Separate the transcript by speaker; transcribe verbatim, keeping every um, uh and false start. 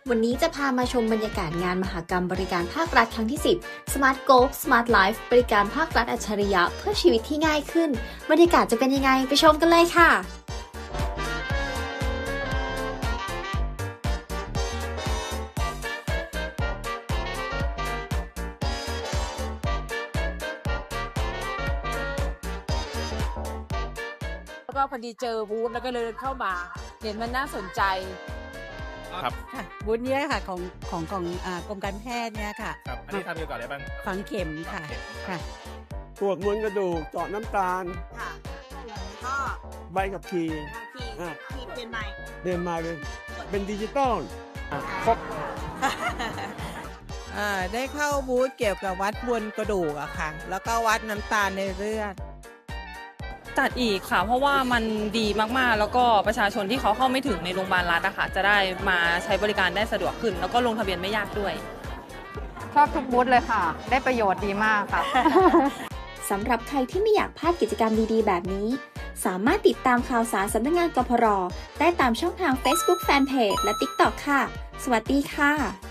Speaker 1: วันนี้จะพามาชมบรรยากาศงานมหกรรมบริการภาครัฐครั้งที่ สิบ Smart Go Smart Life บริการภาครัฐอัจฉริยะเพื่อชีวิตที่ง่ายขึ้นบรรยากาศจะเป็นยังไงไปชมกันเลยค่ะ
Speaker 2: แล้วก็พอดีเจอบูธแล้วก็เลยเข้ามาเห็นมันน่าสนใจ
Speaker 3: ครับ
Speaker 4: ค่ะบูธนี้ค่ะของของของอ่ากรมการแพทย์เนี่ยค่ะ
Speaker 3: ครับอันนี้ทำเกี่ยวกับอะไรบ้าง
Speaker 4: ฝังเข็มค่ะค่ะ
Speaker 5: ตรวจมวลกระดูกเจาะน้ำตาล
Speaker 6: ค่ะก็
Speaker 5: ใบขับขี่
Speaker 6: ขี่
Speaker 5: อ่า
Speaker 6: ขี่เปลี่ยนใหม่
Speaker 5: เดินมาเป็นเป็นดิจิตอลอ่ะครบ
Speaker 7: อ่าได้เข้าบูธเกี่ยวกับวัดมวลกระดูกอะค่ะ แล้วก็วัดน้ำตาลในเลือด
Speaker 8: จัดอีกค่ะเพราะว่ามันดีมากๆแล้วก็ประชาชนที่เขาเข้าไม่ถึงในโรงพยาบาลรัฐอะค่ะจะได้มาใช้บริการได้สะดวกขึ้นแล้วก็ลงทะเบียนไม่ยากด้วย
Speaker 9: ชอบทุกบูธเลยค่ะได้ประโยชน์ดีมากค่ะ
Speaker 1: สำหรับใครที่ไม่อยากพลาดกิจกรรมดีๆแบบนี้สามารถติดตามข่าวสารสำนักงานกพรได้ตามช่องทาง Facebook Fanpage และ ติ๊กต็อก ค่ะสวัสดีค่ะ